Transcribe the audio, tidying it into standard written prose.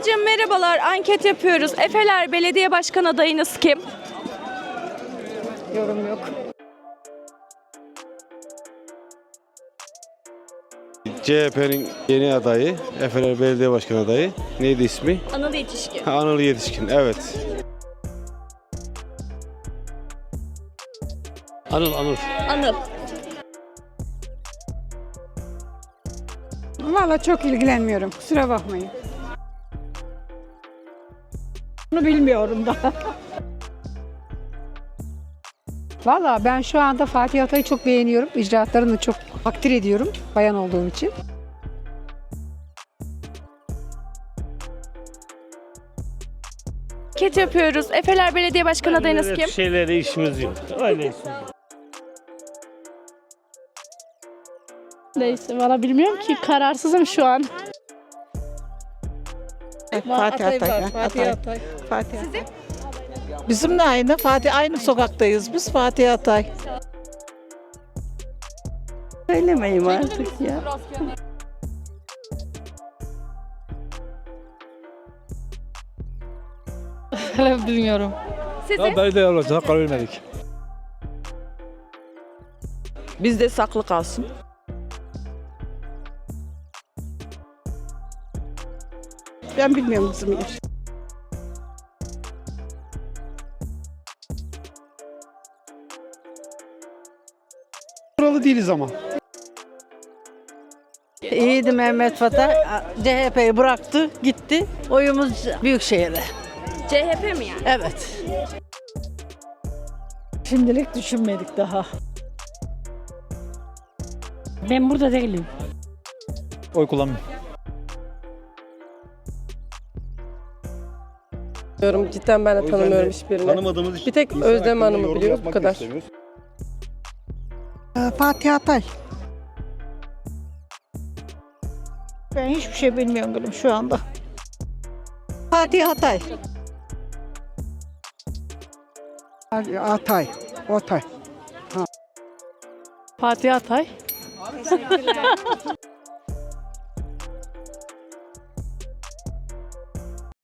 Ablacığım merhabalar, anket yapıyoruz. Efeler Belediye Başkan adayınız kim? Yorum yok. CHP'nin yeni adayı, Efeler Belediye Başkanı adayı. Neydi ismi? Anıl Yetişkin. Anıl Yetişkin, evet. Anıl. Anıl. Valla çok ilgilenmiyorum. Kusura bakmayın. Bunu bilmiyorum da. Valla ben şu anda Fatih Atay'ı çok beğeniyorum. İcraatlarını çok takdir ediyorum bayan olduğum için. Anket yapıyoruz. Efeler Belediye Başkan adayınız kim? Şeylerle işimiz yok. Öyle işimiz yok. Neyse valla bilmiyorum ki kararsızım şu an. Fatih Atay. Fatih Atay. Bizim de aynı. Aynı sokaktayız biz. Fatih Atay. Söylemeyeyim artık ya. Hala bilmiyorum. Sizi? Belediye olacak, karar vermedik. Bizde saklı kalsın. Ben bilmiyorum bizim yer. Buralı değiliz ama. İyiydi Mehmet Fatah. CHP'yi bıraktı, gitti. Oyumuz Büyükşehir'e. CHP mi yani? Evet. Şimdilik düşünmedik daha. Ben burada değilim. Oy kullanmıyorum. Cidden ben de tanımıyorum hiçbirini. Tanımadığımız için Bir tek insan Özlem hakkında Hanım'ı yorum biliyoruz, yapmak bu kadar. istemiyoruz. Fatih Atay. Ben hiçbir şey bilmiyorum gülüm şu anda. Fatih Atay. Atay. Fatih Atay.